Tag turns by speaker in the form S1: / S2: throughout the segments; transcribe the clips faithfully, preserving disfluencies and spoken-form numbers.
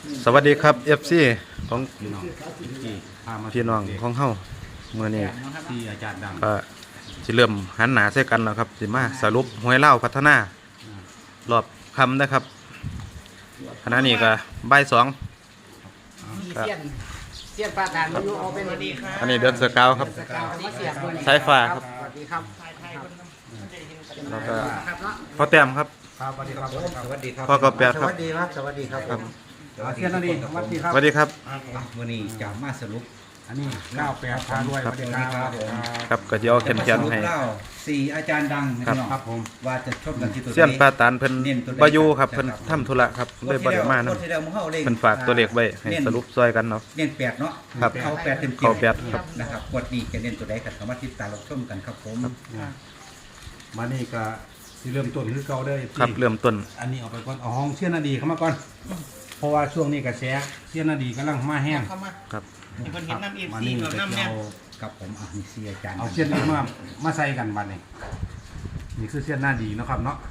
S1: สวัสดีครับ เอฟ ซี ของ
S2: พี่น้องที่พามา
S1: พี่น้องของเฮาเมื่อนี้
S2: ที่อาจารย์ดัง
S1: ก็สิเริ่มหันหน้าใส่กันแล้วครับสิมาสรุปหวยเล่าวพัฒนารอบคำนะครับขณะนี้ก็บ่ายสอง
S3: มีเสี้ยนเสี้ยนปลาฐานมาอยู่เอาเป็นดีครับ
S1: อันนี้เดือนสกาวครับ
S3: สกาวมาเสียบ
S1: สายฟ้าครับ
S3: สวัสดีครับ
S1: แล้วก็
S3: ครับเนาะ
S1: พ่อแต้มครับ
S2: ครับสวัสดีครับสวัสดีครับ
S1: พ่อกระแปด
S3: ส
S1: ครับ
S3: วัสดีครับสวัสดีครับ
S1: ครับ
S2: เทียนนั่นเองสวัสดีครับ
S1: สวัสดีครับ
S4: วันนี้จะมาสรุป
S2: อันนี้เก้าแปดพารวยสวัสดีครับ
S1: ครับก็จะเอาเข็มเขียนให้
S4: เล่าสี่อาจารย์ดังนะ
S1: ครับ
S4: พี่น้อง
S2: ครับผม
S4: ว่าจะชมกันที่ตัว
S1: เสี้ยนปลาตานเพิ่นบ่อยู่ครับเพิ่นทำธุระครับเลยบ่ได้มานํ
S4: งวดที่แล้วมึงเข้าเลข
S1: เพิ่นฝากตัวเลขไว้ให้สรุปซอยกันเนาะ
S4: เน้นแปดเนาะ
S1: ครับ
S4: เขาแปดเต็ม
S1: เข้าแปดครับ
S4: นะครับงวดนี้จะเน้นตัวใดกันสามารถติดตามรับชมกันครับผม
S2: มานี่ก็ที่เริ่มต้นคือเก่าเด้อ
S1: ครับเริ่มต้น
S2: อันนี้เอาไปก่อนเอาห้องเสี้ยนนาดีเข้ามาก่อนเพราะว่าช่วงนี้กระแสเสี้ยนนาดีกำลังมาแห้ง
S3: เข้ามา
S1: ครับ
S3: มีคนเห็นน้ำเอฟ
S2: มา
S3: ซี
S2: นี่
S3: แบบ
S2: ก็
S3: น้ำเนี่ย
S2: เอา
S4: กับผมอ่ะมีสี่อาจารย์
S2: เอาเสี้ยนนี้มามาใส่กันบัดนี้นี่คือเสี้ยนหน้าดีเนาะครับเนาะ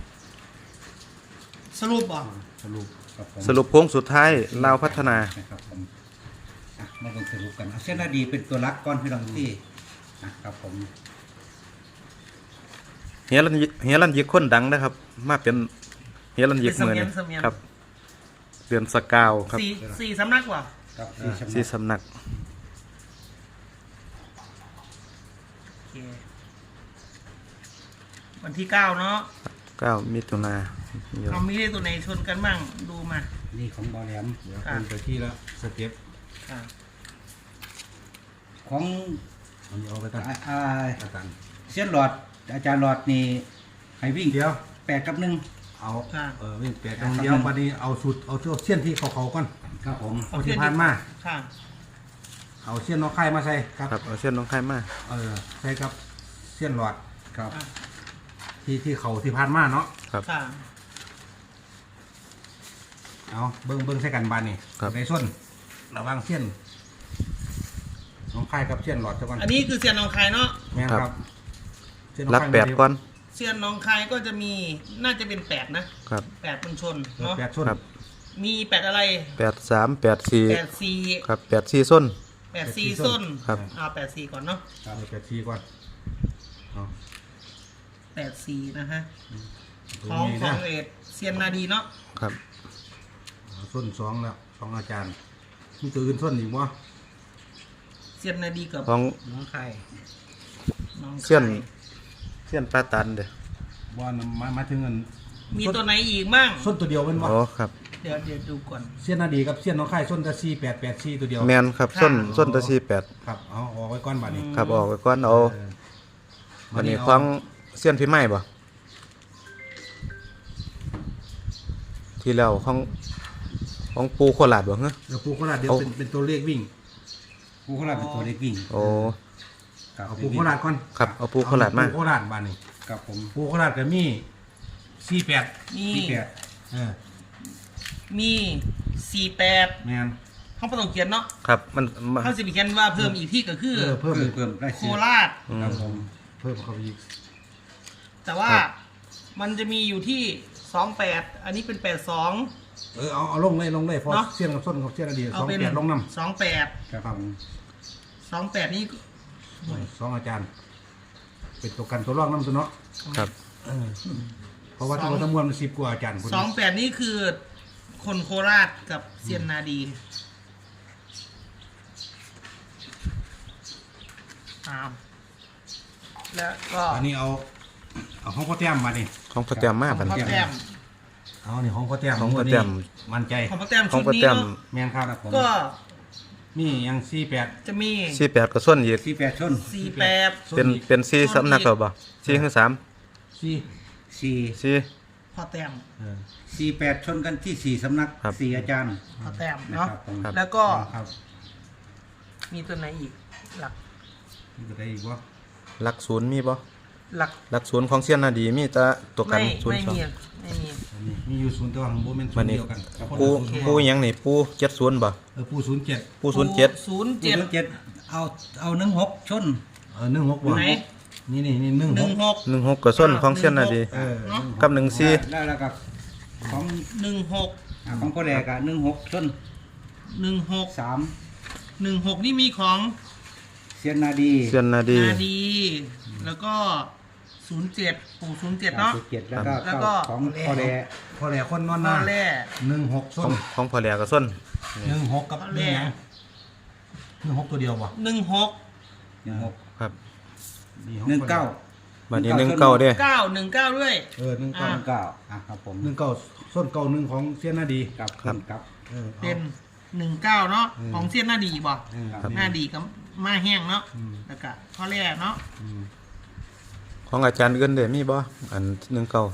S3: สรุปบ่
S2: สรุป
S4: ครับผม
S1: สรุปโค้งสุดท้ายลาวพัฒนา
S4: นะครับผมอ่ะมาลงสรุปกันเอาเส้นนาดีเป็นตัวรักก้อนพี่น้องที่นะครับผม
S1: เฮียรันยิเฮียรันยิกคนดังนะครับ มาเป็นเฮียรันยิกมือนี่ครับเดือนสกาวครับ
S3: สี่สี่สำนักว่ะ
S4: ครับ
S1: สีสำนัก
S3: โอเควันที่เก้าเนาะ
S1: เก้ามิถุนา
S3: เรามีเลขตัวไหนชนกันบ้างดูมา
S4: นี่ของบอลแหลม
S2: เดี๋ยวเป็นไปที่ละสเต็ป
S3: อ่า
S4: ของ
S2: อันนี้เอาไปตั้ง
S4: อ่าอ่า
S2: อาจารย์
S4: เส้นหลอดอาจารย์หลอดนี่ให้วิ่ง
S2: เดี๋ยว
S4: แปดกับหนึ่ง
S2: เอาเออวิ่งแปดตรงเดียวบัดนี้เอาสุดเอาเส้นที่เขาเขาๆก่อน
S4: ครับผม
S2: เอาที่ผ่านมา
S3: ค่ะ
S2: เอาเส้นน้องไข่มาใส่ครับ
S1: ครับเอาเส้นน้องไข่มา
S2: เออใส่กับเส้นหลอด
S4: ครับ
S3: อ่ะ
S2: ที่ที่เขาที่ผ่านมาเนาะ
S1: ครับ
S3: ค่ะ
S2: เอาเบิ้งเบิ้งใส่กันบานนี่
S1: ครับ
S2: ในส้นระหวังเส้นน้องไข่กับเส้นหลอดซะก่อน
S3: อันนี้คือเซียนหนองคายเนาะ
S2: แม่นครับเส้นน้อง
S1: รัก
S2: ไข่
S1: แปดก้อน
S3: เซียนหนองคายก็จะมีน่าจะเป็นแปดนะครับ แปดบนชน
S2: เออ
S3: เนาะ
S2: แปดส้น
S1: ครับ
S3: มีแปดอะไร
S1: แปดสามแปดสี่
S3: แปดสี่
S1: ครับแปดสี่ส้น
S3: แปดสี่ส้น
S1: ครับ
S3: เอาแปดสี่ก่อนเนาะ
S2: เออแปดทีก่อนเอา
S3: แปดสี่นะฮะ
S2: ตร
S3: ของ
S2: นี้
S3: ขอ
S2: นะ
S3: งเอ็ดเซียนนาดีเนาะ
S1: ครับ
S2: เอาส้นสองแล้วสองอาจารย์มีตัวอื่นส้นอีกบ่
S3: เซียนนาดีกับ
S1: ของ
S3: น้องไข่น้องไข่
S1: เส้นเส้นปลาตันเด้อ
S2: บ่นมามาถึงเงิน
S3: มีตัวไหนอีกมั่ง
S2: ส้นตัวเดียวเป็นบ่
S1: อ๋อครับ
S3: เดี๋ยวเดี๋ยวดูก่อน
S2: เส้นนาดีกับเส้นน้องไข่ส้นตะสี่แปดแปดสี่ตัวเดียว
S1: แมนครับส้นส้นตะสี่แปด
S2: ครับเอาออกไว้ก้อนบาดนี้
S1: ครับออกไปก้อนเอา
S2: เออ
S1: วันนี้ของเส้นพี่ไม้บ่ที่แล้วของของปูโคราชบ่เฮ้อ
S2: เดี๋ยวปูโคราชเดี๋ยว
S1: เอา
S2: เป็นเป็นตัวเลขวิ่ง
S4: ผู้เขารับเป็นตัวเล็กวิ่ง
S1: โอ้
S4: ครับ
S2: เอาปูโคราชก่อน
S1: ครับเอาปูโคราชมา
S2: ปูโคราชบาดนี้
S4: ครับผม
S2: ปูโคราชก็มีสี่แปด
S3: มี
S4: ที่แปด
S2: เออ
S3: มีสี่แปด
S2: แมน
S3: ห้องประตองเขียนเนาะ
S1: ครับมันมา
S3: เขาสิบเขียนว่าเพิ่มอีกที่ก็คือ
S2: เออเพิ่ม
S4: เพิ่มเพิ่มได้
S3: โค
S4: สิ
S3: ราช
S1: อืม
S4: ครับผม
S2: เพิ่มเข้าไปอีก
S3: แต่ว่า
S1: ครับ
S3: มันจะมีอยู่ที่สองแปดอันนี้เป็นแปดสอง
S2: เออเอาเอาลงเลยลงเลยเพอ
S3: เนาะ
S2: เสี้ยนกับส้นกับเสี้ยนอดีต
S3: เอา
S2: สอง
S3: เป็น
S2: แปดลงน้
S3: สองแปด
S4: ครับผม
S3: สองแปดนี่
S2: ำสองอาจารย์ เป็นตัวกันตัวรองน้ำตัวเนาะ
S1: ครับ
S2: เออเพราะว่าทั้งหมดทั้งมวลมันสิบกว่าอาจารย์คน
S3: สองแปดนี่คือคนโคราชกับเซียนนาดีอ้าวแล้วก็
S2: อันนี้เอาเอาห้องพ่อแต้มมาดิ
S1: ของพ่อแต้มมา
S3: ของ
S1: บัด
S3: พ่อ
S1: นี้
S3: แต้ม
S2: เอานี่ห้องพ่อแต้ม
S1: ของพ่อแต้ม
S2: มั่นใจ
S3: ของพ่อแต้ม
S1: ขอ
S3: ชุ
S1: ง
S3: ด
S1: พ่อ
S3: นี้
S1: แต้ม
S3: เนาะ
S2: แมนครับ
S4: ครับผม
S3: ก็
S2: นี่ยังสี่แปด
S3: จะมี
S1: สี่แปดก็ส้นอีก
S4: ที่แปดชน
S3: สี่แปด
S1: เป็นเป็นสี่สำนักเขาบ่สี่คือสาม
S2: สี่
S4: สี่
S1: สี่
S3: พ่อแต้ม
S2: เออ
S4: สี่แปดชนกันที่สี่สำนัก
S1: ครับ
S4: สี่อาจารย์
S3: พ่อแต้ม
S4: นะ
S3: เนาะ
S4: ครับผม
S3: แล้วก็
S2: ครับ
S3: มีตัวไหนอีก หลัก
S2: นี่ก็ได้อีกว่า
S1: หลักศูนย์มีบ่
S3: หลัก
S1: หลักศูนย์ของเสี้ยนนาดีมีแต่ตัวกัน
S3: ไม่
S1: ศูน
S3: ไม่
S1: ย์สอง
S3: มีไม่มี
S2: อันนี้มีอยู่ศูนย์ตัวของโบเมนศู
S1: วัน
S2: นย์
S1: นี้
S2: เดียวกัน
S1: ปูปูหยังนี่ปูเจ็ดศูนย์บ่
S2: เออปูศูนย์เจ็ด
S1: ปูศูนย์เจ็ด
S3: ศูนย์
S4: เจ็
S3: เจ็
S4: ด
S3: ด
S4: เจ็ดเอาเอาหนึ่งหกชน
S2: เออหนึ่งหกบ่
S3: ไหน
S2: นี่นี่นี่หนึ่ง
S3: ห
S2: ห
S3: นึ่
S2: ก
S3: งหก
S1: หนึ่งหกก็ส้นของเสี้ยนนาดี
S2: เออ
S3: เนาะ
S1: กับหนึ่งสี่
S4: แล้วแล้วก็ของ
S3: หนึ่งหก
S4: อ่ะของพ่อแดกอะหนึ่งหกส้น
S3: หนึ่งหก
S4: สาม
S3: หนึ่งหกนี่มีของ
S4: เซียนนาดี
S1: เซียนนาดี
S3: นาดี แล้วก็ศูนย์เจ็ดปู่ศูนย์เจ็ดเนาะ
S4: เจ็ดแล้วก็
S3: แล้วก็
S4: ของพ่อแดก
S2: พอแหล่คนนอน
S3: พ่อ
S2: นา
S3: แร่
S2: หนึ่งหก
S1: ข
S2: ส้
S1: อง
S2: น
S1: ของพ่อแหลกกับส้น
S2: หนึ่งหกกับหนึ่งหยังหนึ่งหกตัวเดียวบ่
S3: หนึ่งหก
S4: หนึ่งหก
S1: ครับ
S2: ดีของ
S4: หนึ่งเก้า
S1: บัดนี้หนึ่งเก้าเด้
S3: เก้าหนึ่งเก้าด้วย
S2: เออหนึ่ง
S3: อ่า
S2: เก้า
S4: หนึ่งเก้าอ่ะครับผม
S2: หนึ่งเก้าส้นเก้าหนึ่งของเซียนนาดี
S4: กับ
S1: ครับ
S4: ครับ
S2: เอออา
S3: เป็นหนึ่งเก้าเนาะ
S2: อืม
S3: ของเสี้ยนหน้าดีบ่
S2: เออ
S4: ครับ
S3: หน้าดีกับมาแห้งเนาะ
S2: อืม
S3: แล้วก็ข้อแรกเนาะ
S2: อืม
S1: ของอาจารย์เงินเด้มีบ่อันหนึ่งเก้า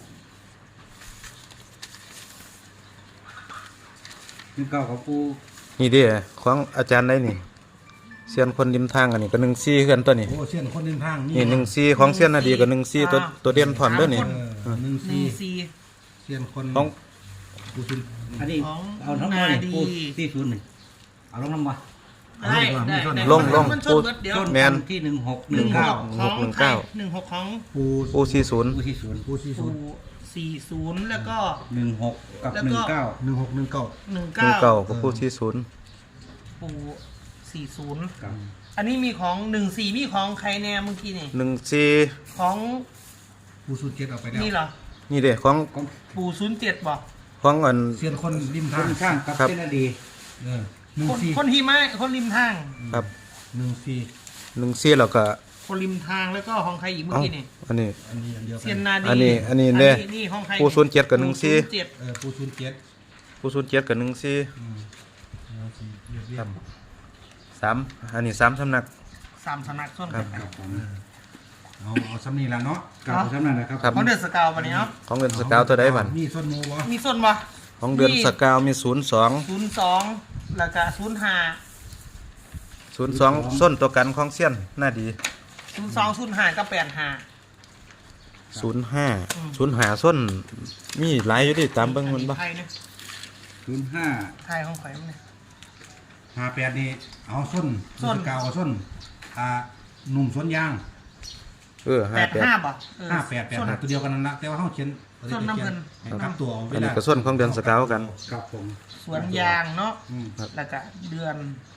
S4: หนึ่งเก้าของปู
S1: นี่เด้ของอาจารย์ได้นี่เซียนคนริมทางอันนี้ก็หนึ่งซี่กันตัวนี้
S2: โอ้เซียนคนเดินทาง
S1: นี่หนึ่งซี่ของเซียนนาดีกับหนึ่งซี่ตัวตัวเด่นพร้อมเด้อนี่
S2: เออหนึ่ง
S3: หนึ่
S2: สี่
S3: งสี่
S2: เซียนคน
S1: ของ
S2: กูซิน
S4: อันนี้
S3: ของ
S4: เอาทั้งหมดนี่
S3: นาดี
S4: ปูสี่ศูนย์หนึ่งเอาลงน้ำมา
S3: ได้ได้ได้
S1: ลงลง
S3: มันชนเบิดเดียว
S4: ต้น
S1: แม่น
S4: ที่หนึ่งหกห
S3: ห
S4: นึ่
S3: นึ่
S4: ง
S3: งห
S4: เก้าก
S3: ของ
S1: หนึ่ง
S3: ใคร
S1: เก้า
S3: หนึ่งหกของ
S2: ปู
S1: ปูสี่ศูนย์
S4: ปูที่ศูนย์
S2: ปูสี่ศู
S3: ปู่
S2: นย์
S3: สี่ศูนย์แล้วก็
S4: หนึ่งหกกับ
S3: แล้ว
S4: ห
S3: ก็
S4: นึ่งเก้า
S2: หนึ่งหกหนึ่งเก้า
S3: หนึ่ง
S1: หนึ่ง
S3: เก้า
S1: เก้ากับปูสี่ศูนย์
S3: ปู่สี่ศูนย์
S4: ครับ
S3: อันนี้มีของหนึ่งสี่มีของใครแน่เมื่อกี้นี่
S1: หนึ่งซี่
S3: ของ
S2: ปูสูตรเจ็ดเอาไปแล้ว
S3: นี่เหรอ
S1: นี่เด้ของ
S4: ของ
S3: ปู่ศูนย์เจ็ดบ่
S1: ของอัน
S2: เซียนคนริม
S4: ค
S2: ทาง
S4: นช่างกับ
S1: ครับ
S4: เส้นอดี
S2: เออหนึ่ง
S3: คน
S2: สี่
S3: คนหิมะคนริมทาง
S1: ครับ
S2: หนึ่งสี่
S1: หนึ่งซี่แล้วก็
S3: คนริมทางแล้วก็ของใครอีกเมื่อ
S1: เอ้า
S3: กี้นี่
S1: อันนี้
S2: อันนี้อันเดียวกั
S3: เซียน
S2: น
S3: นาดี
S1: อันนี้อันนี้เด้
S3: นี่ของใคร
S1: ปู่ศูนย์เจ็ดกับหนึ่งสี่
S3: ปู่ศูย์เจ็ด
S2: เออปูสูตรเจ็ด
S1: ปูศูนย์เจ็ดกับหนึ่งซี่
S2: อืมหนึ่งสี่เรียบเรียบ
S1: สามอันนี้สามสำนัก
S3: สามสนักส้น
S1: ครั
S3: กับ น
S4: ครับผม
S2: เอาเอาซ้ำนี่ละเนาะ
S4: กับสำนักนะครับ
S1: ครับ
S3: เขาเดือดสกาววันนี้เนาะ
S1: ของเดือนสกาวตัวใดบัน
S2: มีส้นโมวะ
S3: มีส้นปะ
S1: ของเดือนสกาวมีศูนย์สอง
S3: ศูนย์สองแล้วก็ศูนย์ห้า
S1: ศูนย์สองส้นตัวกันของเซียนน่าดี
S3: ศูนย์สองศูนย์ห้าก็แปดห้า
S1: ศูนย์ห้า
S3: อืม
S1: ศูนย์หาส้นมีหลายอยู่ดิตามเบิ่งมันบ่
S3: ไทยเนี่ย
S4: ศูนย์ห้า
S3: ไทยของข่อยมันเนี่ย
S2: ห้าแปดนี่เอาส้น
S3: ส้น
S2: สกาวเอาส้นอ่าหนุ่มสวนยาง
S1: เออ
S3: แป
S1: ห้า
S3: ด
S1: แปด
S3: ห้าป่ะเออ
S2: ห้าแปดแปด
S3: ส้น
S2: ห้าตัวเดียวกันนั่นละแต่ว่าเขาเขียน
S3: ส้นน้ำเงิน
S2: ครับตัวเอา
S1: อันนี้ก็ส้นของเดือนสกาวกัน
S4: ครับผม
S3: สวนยางเนาะ
S2: อืม
S3: แล้วก็เดือน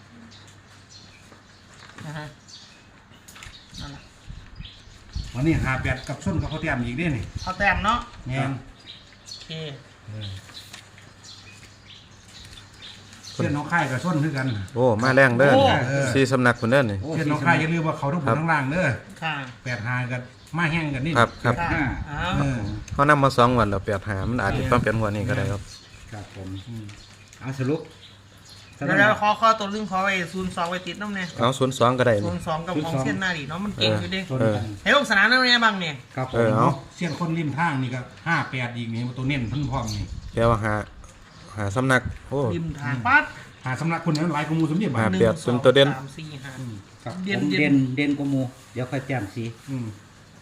S3: นะฮะนั่นแหละ
S2: วันนี้ห้าแปดกับส้นกับเขาแต้มอีกได้นี่
S3: เอาแต้มเนาะ
S2: แง่น
S3: โอเค
S2: เออเส้นน้องค่ายกับส้นคือกัน
S1: โอ้มาแรงเด้อ
S3: โอ้
S1: สี่สำนักคนเด้อนี่
S2: เส้นน้องค่ายอย่าลืมว่าเขาทุกคนทั้งล่างเด้อ
S3: ค่ะ
S2: แปดหากันมาแห้งกันนี่
S1: ครับครับ
S3: ค่ะเอา
S2: เออ
S1: เขานำมาสองวันแล้วแปดหามันอาจจะต้องเป็นหัวนี้ก็ได้ครับ
S4: ครับผม
S2: อืม
S4: เอาสรุป
S3: เดี๋ยวเราขอข้อตัวลึงขอไว้ศูนย์สองไว้ติดน้ำเนี่ย
S1: เอาศูนย์สองก็ได้
S3: ศู
S1: นี่
S3: นย์สองกับของเส้นหน้าดิเนาะมันเก่งอยู่ดิ
S4: ต้นกัน
S3: เฮ้ยลงสนามนั่นไงบ้างเนี่ย
S4: ครับผ
S1: เอ
S4: ม
S1: อเอา
S2: เส้นคนริมทางนี่ก็ห้าแปดอีกนี่ตัวเน้นเพิ่นพร้อมนี่
S1: แค่ว่าหาหาสำนักโอ้
S3: ริมทางปั๊บ
S2: หาสำนักคนนั้นหลายกว่าหมูสมเด็จ
S1: ค
S2: บา
S1: รั
S2: ท
S1: บ
S3: หนึ่ง
S1: เปรียบ
S3: สอง
S1: ตัวเด่น
S3: สามสี่ห้า
S4: ครับ
S3: เด่น
S4: ผม
S3: เด่น
S4: เด่นเด่นกว่าหมูเดี๋ยวค่อยแจ่มสี
S2: อืม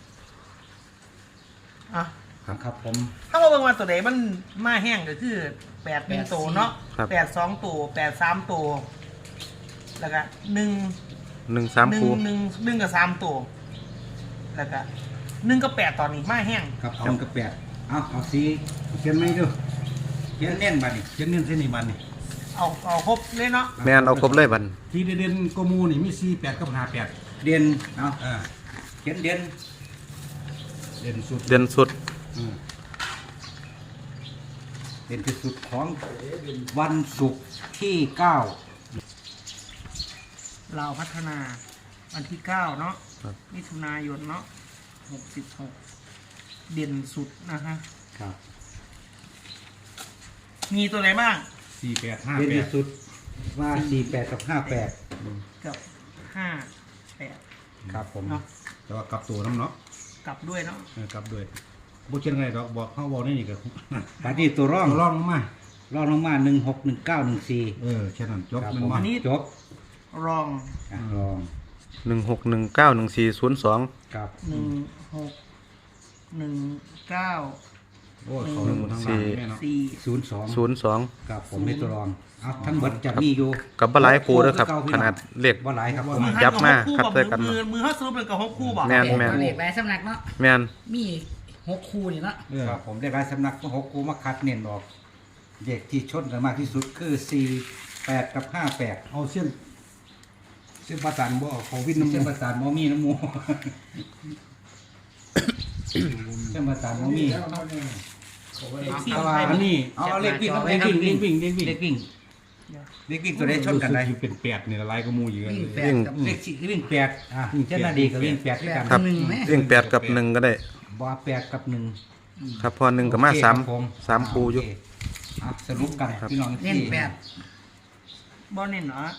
S3: อ่ะ
S4: ครับผม
S3: ถ้าว่าเบิ่งว่าตัวไหนมันมาแห้งก็คือแปดเป็นตัวเนาะ
S1: ครับ
S3: แปดสองตัวแปดสามตัวแล้วก็หนึ่ง
S1: หนึ่งสาม
S3: หนึ่ง
S1: คู่
S3: หนึ่งหนึ่งกับสามตัวแล้วก็หนึ่งกับแปดตอนนี้มาแห้ง
S4: ครับเอากระแปดเอาเอาสีเขียนไม่ดูเขียนเน่นบัดนี้
S2: เช่นเน้นเส้นนี้บันนี่
S3: เอาเอาครบเลยเนาะ
S1: แม่นเอาครบเลยบัน
S2: ที่เด่นๆกว่าหมูนี่มีสี่แปดกับห้าแปด
S4: เด่นเอา
S2: อ่า
S4: เขียนเด่น
S2: เด่นสุด
S1: เด่นสุด
S2: อืม
S4: เด่นที่สุดของวันศุกร์ที่เก้า
S3: เราพัฒนาวันที่เก้าเนาะมิถุนายนเนาะหกสิบหกเด่นสุดนะฮะ
S4: ครับ
S3: มีตัวไหนบ้าง
S2: สี่แปดห้า
S4: เด่น
S2: แป
S4: ที่
S2: ด
S4: สุดว่าสี่แปดกับห้าแปด
S3: กับห้าแปด
S4: ครับผม
S3: เนาะ
S2: แต่ว่ากลับตัวน้ำเนาะ
S3: กลับด้วยเนาะ
S2: เออกลับด้วยบ่เช่นไรดอกบอกเขาบอกนี่นี่ก็
S4: ตอนนี้ตัวร่อง
S2: ลองลงมา
S4: ร่องลงมาหนึ่งหกหนึ่งเก้าหนึ่งสี่
S2: เออแค่นั้นจบ
S4: ครับ
S2: มัน
S4: ผม
S2: มา
S3: อันนี้
S4: จบ
S3: รอง
S4: อ่ะลอง
S1: หนึ่งหกหนึ่งเก้าหนึ่งสี่ศูนย์สอง
S4: ครับ
S3: หนึ่งหกหนึ่งเก้า
S2: โอ้ยเขาลงบนทางล่างแม่เนาะ
S3: สี่
S4: ศูนย์สอง
S1: ศูนย์สอง
S4: ครับผมเป็นตัวรองเอาทั้งหมดจะมีอยู่
S1: กับบหลายคู่เด้อครับ ขนาดเลข
S4: บ่หลายครับผม
S3: มือ
S1: ยับมา
S3: คู่
S1: ครับ
S3: บอก
S1: ใส่กัน
S3: มือมือเขาสรุปเป็นกับหกคู่บอก
S1: แม่น
S5: เลขเลขหลายสำนักเนาะ
S1: แม่น
S5: มีหกคู่นี่เนาะ
S2: เออ
S4: ครับผมได้รายสำนักหกคูมาคัดเน้นออกเด็กที่ชนกันมากที่สุดคือสี่แปดกับห้าแปด
S2: เอาเส้นเส้นประสานบ่เอาเขาวิ่งน้ำ
S4: เส้น
S2: มู
S4: ประสานมอมีน้ำมู เส้นประสานมอมี
S3: เอฟซี
S2: เอา
S3: ไทย
S2: อันนี้
S4: เอาเอาเลขวิ่ง
S2: เล็กวิ่งเล็กวิ่งเล็กวิ่ง
S4: เลขวิ่งเลขวิ่งตัวใดชนกันได้
S2: รู้สึอยู่เป็นแปดนี่ละลายก็มูอยู่กัน
S5: วิ่ง
S2: เลย
S5: แปดกับ
S4: เลขสี่วิ่งแปด
S2: อ่ะ
S4: เจ้าหน้าดีกับวิ่งแปดด้วยกัน
S1: ครับ
S5: หนึ่งไหม
S1: เรื่องแปดกับหนึ่งก็ได้
S4: บ่แปดกับหนึ่ง
S1: ครับพอหนึ่งกับมา
S4: โอเค
S1: สาม
S4: ครับผ
S1: สามคูอยู่
S4: โเคอ่ะสรุปกันพี่น้อง
S5: เน้นแปด
S3: บอลเน้นเนาะ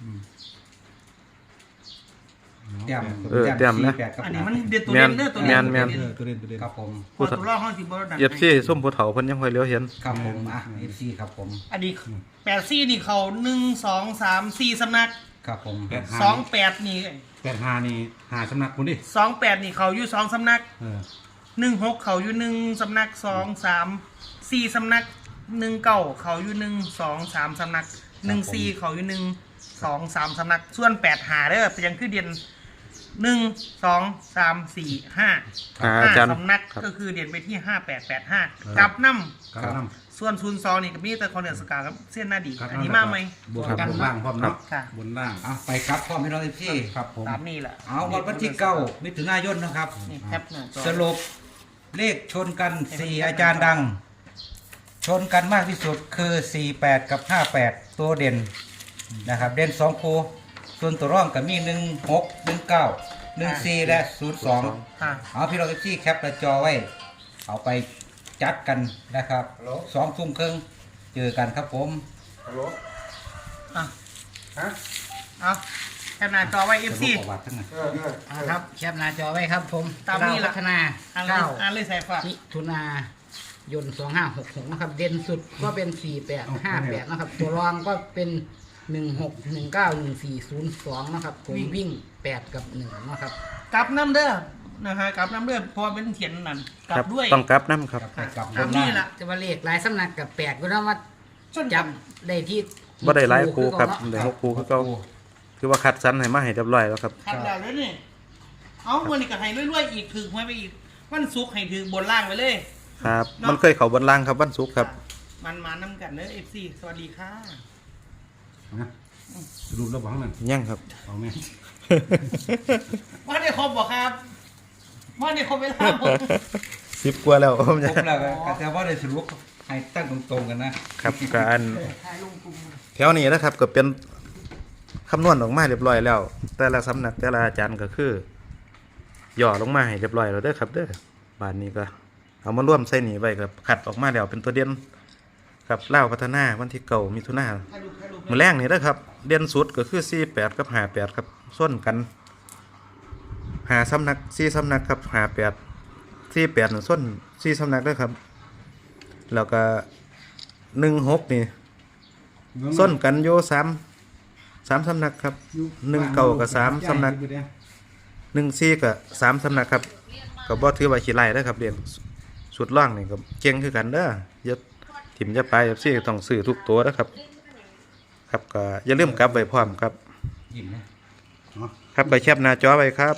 S4: แต้ม
S1: เออแต้มนะ
S4: สี่แปดกับ
S3: อันนี้
S4: ห้า
S3: มันเด็ดตัว
S1: แม่
S3: เด่
S1: น
S3: นเด้อตัว
S1: แม่
S3: เด่
S1: น
S3: น
S1: แม่น
S2: เออตัวเล่นตัวเล่น
S4: ครับผม
S3: พอตัวรอบห้องสิบอลดัน
S1: เอฟซีส้มผู้เฒ่าเพิ่นยังค่อยเลี้ยวเห็น
S4: ครับผมอ่ะเอฟซีครับผม
S3: อันนี้แปดซี่นี่เขาหนึ่งสองสามสี่สำนัก
S4: ครับผม
S2: แปดห้า
S3: สองแปดนี่
S2: แปดห้านี่หาสำนักคุณดิ
S3: สองแปดนี่เขาอยู่สองสำนัก
S2: เออ
S3: หนึ่งหกเขาอยู่หนึ่งสำนักสองสามสี่สำนักหนึ่งเก้าเขาอยู่หนึ่งสองสามสำนักหนึ่งสี่เขาอยู่หนึ่งสองสามสำนักส่วนแปดหาเด้อเป็นยังคือเด่นหนึ่งสองสามสี่ห้า
S1: อ่า
S3: ห้า
S1: อาจารย์
S3: สำนัก
S1: ครับ
S3: ก็คือเด่นไปที่ห้าแปดแปดห้ากลับน้
S2: กำลัง
S3: ำส่วนศูนย์สองนี่ก็มีแต่คอนเดนสกาครับเส้นหน้าดี
S2: ครับ
S3: อันนี้มากไหม
S2: บวกกันบนล่างพร้อมเนาะ
S3: ค่ะ
S2: บนล่าง
S4: อ่ะไปครับพ่อพี่น้องเอฟซี
S2: ครับผม
S3: ตามนี่แหละ
S4: เอาวันวันที่เก้ามิถุนายนนะครับ
S3: นี่แคปหน้าจอ
S4: สรุปเลขชนกันสี่อาจารย์ดัง ชนกันมากที่สุดคือสี่แปดกับห้าแปดตัวเด่นนะครับ เด่นสองคูส่วนตัวร่องก็มีหนึ่งหกหนึ่งเก้าหนึ่งสี่และศูนย์สอง
S3: ค่ะ
S4: เอาพี่น้องเอฟซีแคปหน้าจอไว้ เอาไปจัดกันนะครับสองทุ่มครึ่งเจอกันครับผม
S3: อ่ะเอาแคปหน้าจอไว้เอฟซี
S4: สรุปประวัติทั้งนั้น
S5: อ่าครับแคปหน้าจอไว้ครับผม
S3: ตามนี้
S5: เร
S3: ล่ะ
S5: พัฒนา
S3: อ่านเลย
S5: เก้า
S3: อ่านเลยใส่ฝาก
S5: มิถุนายนสองห้าหกหกนะครับ เด่นสุดก็เป็นสี่แปดห้าแปดนะครับ ตัวรองก็เป็นหนึ่งหกหนึ่งเก้าหนึ่งสี่ศูนย์สองนะครับผมวิ่งแปดกับหนึ่งนะครับ
S3: กลับน้ำเด้อนะฮะกลับน้ำเด้อเพอเป็นเขียนนั่นกลั
S1: ครับ
S3: บด้วย
S1: ต้องกลับน้ำครับ
S4: ไปกลับ
S3: ตามนี่แหละ
S5: จะว่าเลขหลายสำนักกับแปลกก็แล้วว่า
S3: จน
S5: จับได้ที่
S1: บ่ได้หลายคูครับ
S5: อ
S1: ได้หกคูคือเก่าคือว่าคัดสรรให้มาให้เรียบร้อยแล้วครับ
S3: คัดแล้วเลยนี่เอาวันนี้ก็ให้รวยๆอีกถึงไว้ไปอีกวันศุกร์ให้ถึงบนล่างไปเลย
S1: ครับ
S3: เนาะ
S1: มันเคยเข้าบนล่างครับวันศุกร์ครับ
S3: มันมาน้ำกันเด้อเอฟซีสวัสดีค่ะ
S2: นะสรุปแล้วบอกนั่น
S1: ยังครับ
S2: เอาไหม
S3: ว่าได้ครบบ่ครับว่าได้ครบเวลาหมด
S1: สิบกว่าแล้ว ผม
S4: ผ
S1: จะ
S4: มแล้วก็แต่ว่าได้สรุปให้ตั้งตรงๆกันนะครับ
S1: การ
S3: ถ่ายลงกลุ่ม
S1: แถวนี้นะครับก็เป็นคำนวณออกมาเรียบร้อยแล้ว แต่ละสำนักแต่ละอาจารย์ก็คือย่อลงมาให้เรียบร้อยแล้วเด้อครับเด้อบานนี้ก็เอามาร่วมใส่หนีไว้กับขัดออกมาแล้วเป็นตัวเด่นครับเล่าวพัฒนาวันที่เก่ามิถุนา
S3: ถ่ายรูปถ่ายรูป
S1: มือแรกนี่นะครับ เด่นสุดก็คือสี่แปดกับห้าแปดครับส้นกันหาสำนักสี่สำนักครับห้าแปดสี่แปดหนึ่งส้นสี่สำนักด้วยครับ แล้วก็หนึ่งหกนี่ส้นกันโยสามสามสำนักครับหนึ่งเก่ากับสามสำนักหนึ่งสี่กับสามสำนักครับก็บ่ถือว่าขี้ไล่นะครับเรียนสุดล่างนี่ก็เก่งคือกันเด้ออย่าถิ่มอย่าไปอย่าซี่ต้องซื้อทุกตัวนะครับ ครับก็อย่าลืมกลับไว้พร้อมครับ
S4: ยิ้มนะ
S1: ครับไปแคปหน้าจอไว้ครับ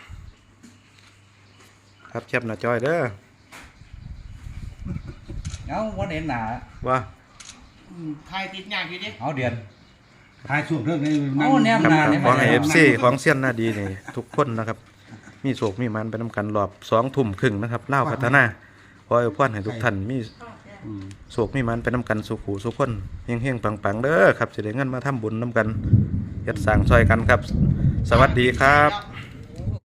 S1: ครับแคปหน้าจอไว้เด้อ
S4: เอาวันเห็นหนา
S1: ว่า
S3: อืมถ่ายติดอย่างอยู่ดิ
S4: เอาเดือน
S2: ทายช่วงเรื่องนี้
S4: เอาแนว
S1: ครับ
S4: หา
S1: ก็ขอให้เอฟซีของเซียนหน้าดีนี่ทุกคนนะครับ มีโศกมีมันไปนำกันรอบสองทุ่มครึ่งนะครับเล่าวพัฒนาขอให้พรให้ทุกท่านมีโศกมีมันไปนำกันสุขูสุขคนเฮงเฮงๆปังๆเด้อครับสิได้เงินมาทำบุญนำกันเฮ็ดสร้างซอยกันครับ สวัสดีครับ